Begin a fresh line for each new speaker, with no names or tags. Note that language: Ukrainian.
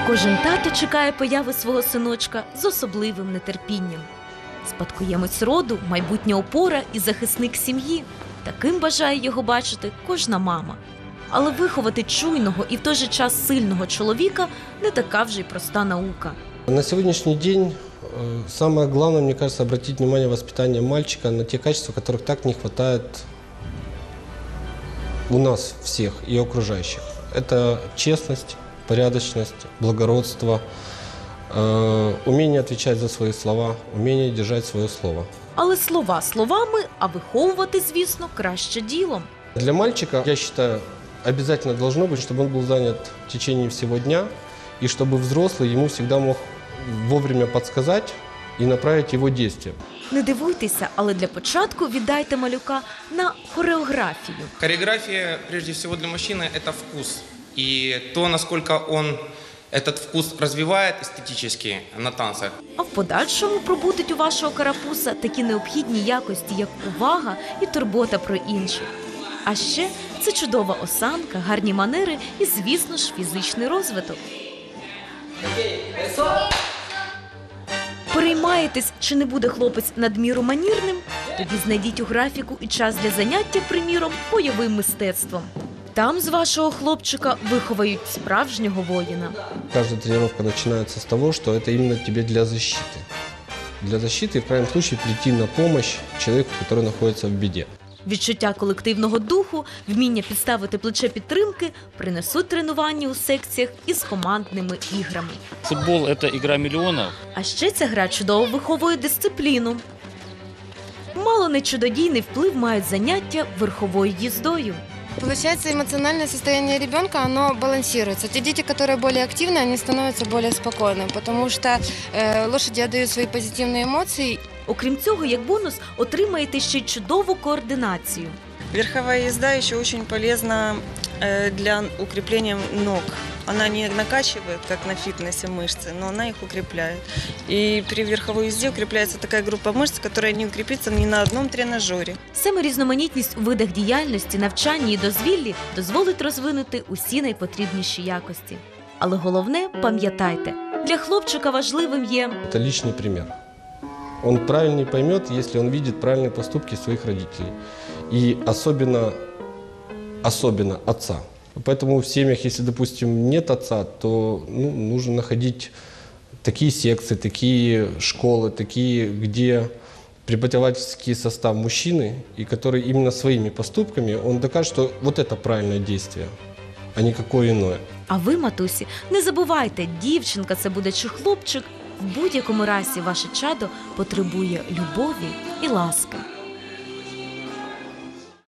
Кожен тато чекає появи свого синочка з особливим нетерпінням. Спадкоємець роду, майбутня опора і захисник сім'ї. Таким бажає його бачити кожна мама. Але виховати чуйного і в той же час сильного чоловіка не така вже й проста наука.
На сегодняшний день самое главное, мне кажется, обратить внимание воспитания мальчика на те качества, которых так не хватает у нас всех и окружающих. Это честность, порядочность, благородство, умение отвечать за свои слова, умение держать свое слово.
Але слова словами, а виховувати, звісно, краще ділом.
Для мальчика, я считаю, обязательно должно быть, чтобы он был занят в течение всего дня, и чтобы взрослый ему всегда мог вовремя подсказать и направить его действия.
Не дивуйтеся, але для початку віддайте малюка на хореографію.
Хореография, прежде всего, для мужчины – это вкус. И то, насколько он этот вкус развивает эстетически на танцах.
А в подальшому пробудуть у вашого карапуса такі необхідні якості, як увага і турбота про інших. А ще це чудова осанка, гарні манери і, звісно ж, фізичний розвиток. Переймаєтесь, чи не буде хлопець надміру манірним? Тоді знайдіть у графіку і час для заняття, приміром, бойовим мистецтвом. Там з вашого хлопчика виховають справжнього воїна.
Каждая тренировка начинается с того, что это именно тебе для защиты. Для защиты и в крайнем случае прийти на помощь человеку, который находится в беде.
Відчуття колективного духу, вміння підставити плече підтримки принесуть тренування у секціях із командними іграми.
Футбол – это игра миллионов.
А ще ця гра чудово виховує дисципліну. Мало не чудодійний вплив мають заняття верховою їздою.
Получается, эмоциональное состояние ребенка, оно балансируется. Те дети, которые более активны, они становятся более спокойными, потому что лошади отдают свои позитивные эмоции.
Окрім цього, як бонус, отримаєте ще й чудову координацію.
Верховая езда еще очень полезна для укрепления ног. Она не накачивает, как на фитнесе, мышцы, но она их укрепляет. И при верховой езде укрепляется такая группа мышц, которая не укрепится ни на одном тренажере.
Саме різноманітність у видах діяльності, навчанні і дозвіллі дозволить розвинути усі найпотрібніші якості. Але головне, пам'ятайте, для хлопчика важливим є
Это личный пример. Он правильнее поймет, если он видит правильные поступки своих родителей. И особенно отца. Поэтому в семьях, если, допустим, нет отца, то нужно находить такие секции, такие школы, такие, где преподавательский состав мужчины, и который именно своими поступками, он докажет, что вот это правильное действие, а не какое иное.
А ви, матусі, не забувайте, дівчинка це буде чи хлопчик, в будь-якому разі ваше чадо потребує любові і ласки.